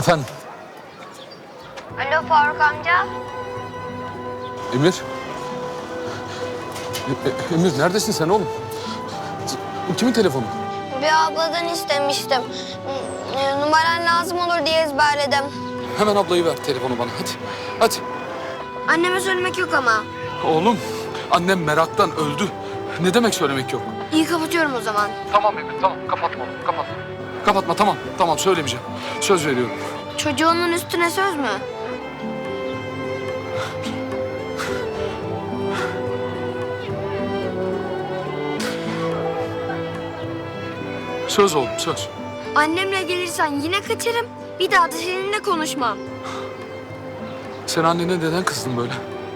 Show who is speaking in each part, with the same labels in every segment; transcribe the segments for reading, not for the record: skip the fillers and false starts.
Speaker 1: Efendim?
Speaker 2: Alo Faruk amca.
Speaker 1: Emir? Emir neredesin sen oğlum? Bu kimin telefonu?
Speaker 2: Bir abladan istemiştim. Numaran lazım olur diye ezberledim.
Speaker 1: Hemen ablayı ver telefonu bana hadi. Hadi.
Speaker 2: Anneme söylemek yok ama.
Speaker 1: Oğlum annem meraktan öldü. Ne demek söylemek yok?
Speaker 2: İyi kapatıyorum o zaman.
Speaker 1: Tamam Emir tamam kapatma oğlum kapatma. Kapatma tamam söylemeyeceğim. Söz veriyorum.
Speaker 2: Çocuğunun üstüne söz mü?
Speaker 1: Söz oğlum söz.
Speaker 2: Annemle gelirsen yine kaçarım. Bir daha da seninle konuşmam.
Speaker 1: Sen annene neden kızdın böyle?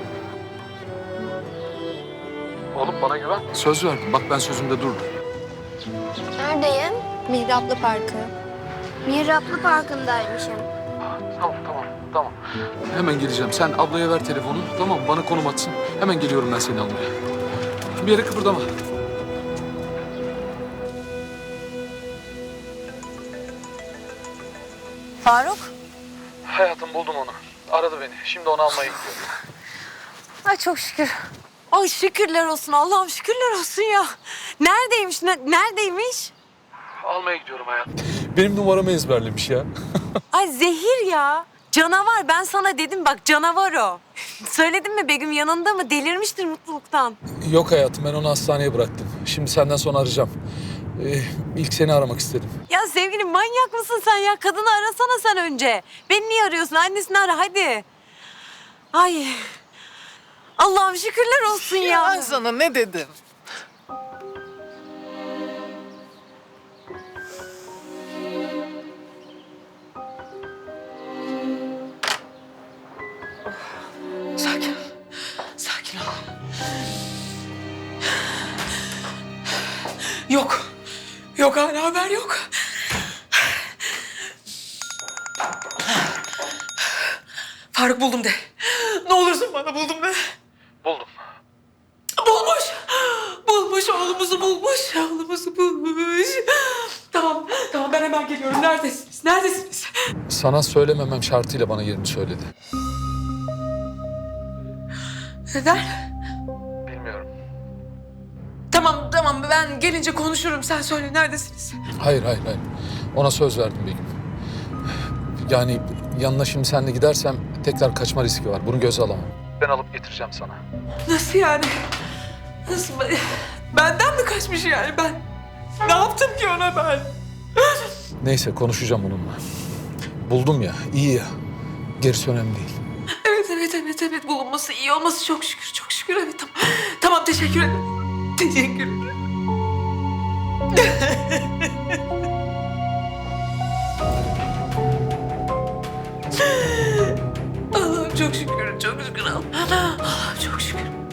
Speaker 1: Oğlum bana güven. Söz verdim. Bak ben sözümde durdum.
Speaker 2: Neredeyim?
Speaker 3: Mihraplı Parkı.
Speaker 2: Mihraplı Parkı'ndaymışım.
Speaker 1: Tamam. Hemen geleceğim. Sen ablaya ver telefonu. Tamam bana konum atsın. Hemen geliyorum ben seni almaya. Bir yere kıpırdama.
Speaker 3: Faruk.
Speaker 1: Hayatım buldum onu. Aradı beni. Şimdi onu almaya gidiyorum.
Speaker 3: Ay çok şükür. Ay şükürler olsun Allah'ım şükürler olsun ya. Neredeymiş neredeymiş?
Speaker 1: Almaya gidiyorum hayatım. Benim numaramı ezberlemiş ya.
Speaker 3: Ay zehir ya. Canavar ben sana dedim bak canavar o. Söyledim mi Begüm yanında mı? Delirmiştir mutluluktan.
Speaker 1: Yok hayatım ben onu hastaneye bıraktım. Şimdi senden sonra arayacağım. İlk seni aramak istedim.
Speaker 3: Ya sevgilim manyak mısın sen ya? Kadını arasana sen önce. Beni niye arıyorsun? Annesini ara hadi. Ay. Allah'ım şükürler olsun ya.
Speaker 4: Ben sana ne dedim?
Speaker 3: Sakin ol. Sakin ol. Yok. Yok hala haber yok. Faruk buldum de. Ne olursun bana buldum de.
Speaker 1: Buldum.
Speaker 3: Bulmuş. Bulmuş oğlumuzu bulmuş. Oğlumuzu bulmuş. Tamam ben hemen geliyorum. Neredesiniz?
Speaker 1: Sana söylememem şartıyla bana yerini söyledi.
Speaker 3: Neden?
Speaker 1: Bilmiyorum.
Speaker 3: Tamam ben gelince konuşurum. Sen söyle neredesiniz?
Speaker 1: Hayır. Ona söz verdim Begüm. Yani yanına şimdi seninle gidersem tekrar kaçma riski var. Bunu göze alamam. Ben alıp getireceğim sana.
Speaker 3: Nasıl yani? Nasıl? Benden mi kaçmış yani ben? Ne yaptım ki ona ben?
Speaker 1: Neyse konuşacağım onunla. Buldum ya, iyi ya. Gerisi önemli değil.
Speaker 3: Evet bulunması iyi olması çok şükür evet tamam teşekkür ederim. Teşekkür ederim. Allah'ım çok şükür Allah'ım çok şükür.